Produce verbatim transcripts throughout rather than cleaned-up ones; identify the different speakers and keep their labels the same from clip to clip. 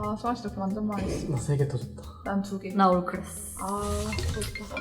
Speaker 1: 아, 수아 씨 덕분 완전 망했어.
Speaker 2: 나 세 개 더 줬다.
Speaker 1: 난 두 개.
Speaker 3: 나 올크레스.
Speaker 1: 아, 좋다.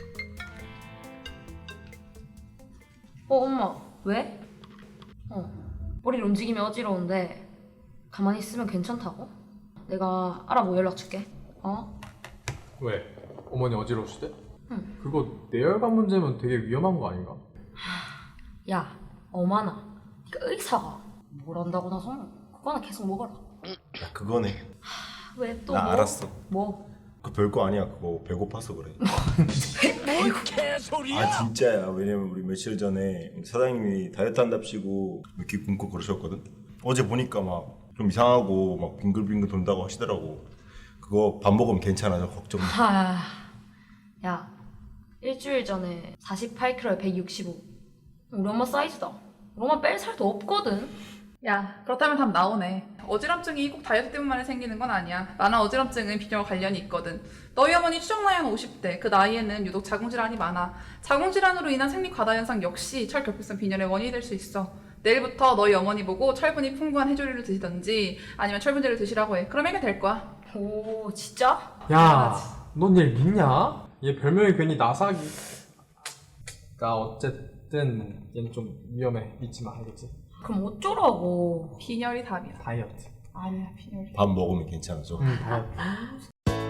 Speaker 3: 어, 엄마. 왜? 어. 머리를 움직이면 어지러운데 가만히 있으면 괜찮다고? 내가 알아보고 연락 줄게. 어?
Speaker 2: 왜? 어머니 어지러우시대?
Speaker 3: 응.
Speaker 2: 그거 뇌혈관 문제면 되게 위험한 거 아닌가?
Speaker 3: 야, 어마나. 네가 의사가 뭘 안다고 나서 그거 하나 계속 먹어라.
Speaker 4: 야 그거네.
Speaker 3: 왜 또
Speaker 4: 나
Speaker 3: 뭐?
Speaker 4: 알았어.
Speaker 3: 뭐?
Speaker 4: 그 별거 아니야. 그거 배고파서 그래.
Speaker 3: 뭐?
Speaker 4: 아 진짜야. 왜냐면 우리 며칠 전에 사장님이 다이어트 한답시고 이렇게 굶고 그러셨거든. 어제 보니까 막 좀 이상하고 막 빙글빙글 돈다고 하시더라고. 그거 밥 먹으면 괜찮아져. 걱정 마.
Speaker 3: 하... 야, 일주일 전에 사십팔 킬로그램에 백육십오. 우리 엄마 사이즈다. 우리 엄마 뺄 살도 없거든.
Speaker 1: 야, 그렇다면 답 나오네. 어지럼증이 꼭 다이어트 때문만 생기는 건 아니야. 많은 어지럼증은 비뇨와 관련이 있거든. 너희 어머니 추정 나이는 오십 대. 그 나이에는 유독 자궁질환이 많아. 자궁질환으로 인한 생리 과다 현상 역시 철결핍성 빈혈의 원인이 될 수 있어. 내일부터 너희 어머니 보고 철분이 풍부한 해조류를 드시던지 아니면 철분제를 드시라고 해. 그럼 해결될 거야.
Speaker 3: 오, 진짜?
Speaker 2: 야, 넌 얘 믿냐? 얘 별명이 괜히 나사기. 나 어쨌든 얘는 좀 위험해. 믿지 마, 알겠지?
Speaker 3: 그럼 어쩌라고.
Speaker 1: 빈혈이 답이야.
Speaker 2: 다이어트.
Speaker 1: 아니야, 빈혈이.
Speaker 4: 밥 먹으면 괜찮아져.
Speaker 2: 응, 다이어트.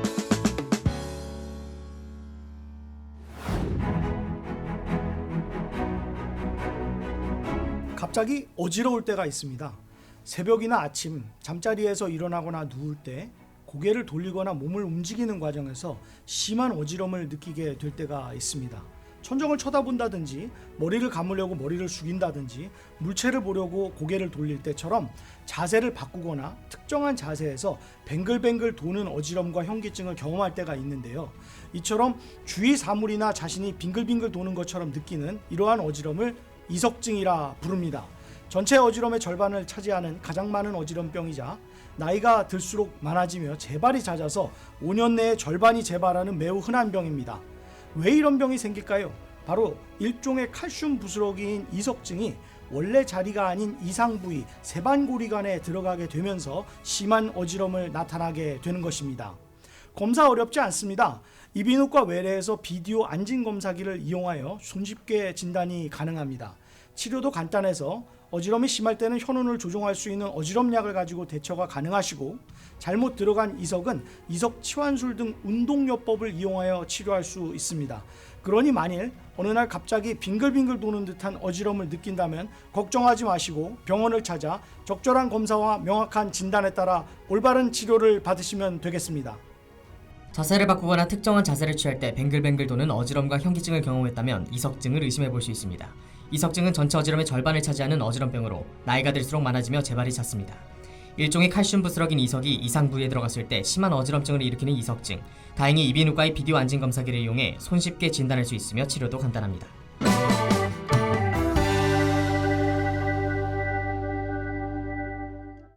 Speaker 5: 갑자기 어지러울 때가 있습니다. 새벽이나 아침 잠자리에서 일어나거나 누울 때 고개를 돌리거나 몸을 움직이는 과정에서 심한 어지럼을 느끼게 될 때가 있습니다. 천정을 쳐다본다든지 머리를 감으려고 머리를 숙인다든지 물체를 보려고 고개를 돌릴 때처럼 자세를 바꾸거나 특정한 자세에서 뱅글뱅글 도는 어지럼과 현기증을 경험할 때가 있는데요. 이처럼 주위 사물이나 자신이 빙글빙글 도는 것처럼 느끼는 이러한 어지럼을 이석증이라 부릅니다. 전체 어지럼의 절반을 차지하는 가장 많은 어지럼병이자 나이가 들수록 많아지며 재발이 잦아서 오 년 내에 절반이 재발하는 매우 흔한 병입니다. 왜 이런 병이 생길까요? 바로 일종의 칼슘 부스러기인 이석증이 원래 자리가 아닌 이상 부위 세반고리관에 들어가게 되면서 심한 어지럼을 나타나게 되는 것입니다. 검사 어렵지 않습니다. 이비인후과 외래에서 비디오 안진 검사기를 이용하여 손쉽게 진단이 가능합니다. 치료도 간단해서 어지럼이 심할 때는 혈흔을 조종할 수 있는 어지럼약을 가지고 대처가 가능하시고 잘못 들어간 이석은 이석 치환술 등 운동요법을 이용하여 치료할 수 있습니다. 그러니 만일 어느 날 갑자기 빙글빙글 도는 듯한 어지럼을 느낀다면 걱정하지 마시고 병원을 찾아 적절한 검사와 명확한 진단에 따라 올바른 치료를 받으시면 되겠습니다.
Speaker 6: 자세를 바꾸거나 특정한 자세를 취할 때 뱅글뱅글 도는 어지럼과 현기증을 경험했다면 이석증을 의심해 볼 수 있습니다. 이석증은 전체 어지럼의 절반을 차지하는 어지럼병으로 나이가 들수록 많아지며 재발이 잦습니다. 일종의 칼슘 부스러긴 이석이 이상 부위에 들어갔을 때 심한 어지럼증을 일으키는 이석증. 다행히 이비인후과의 비디오 안진 검사기를 이용해 손쉽게 진단할 수 있으며 치료도 간단합니다.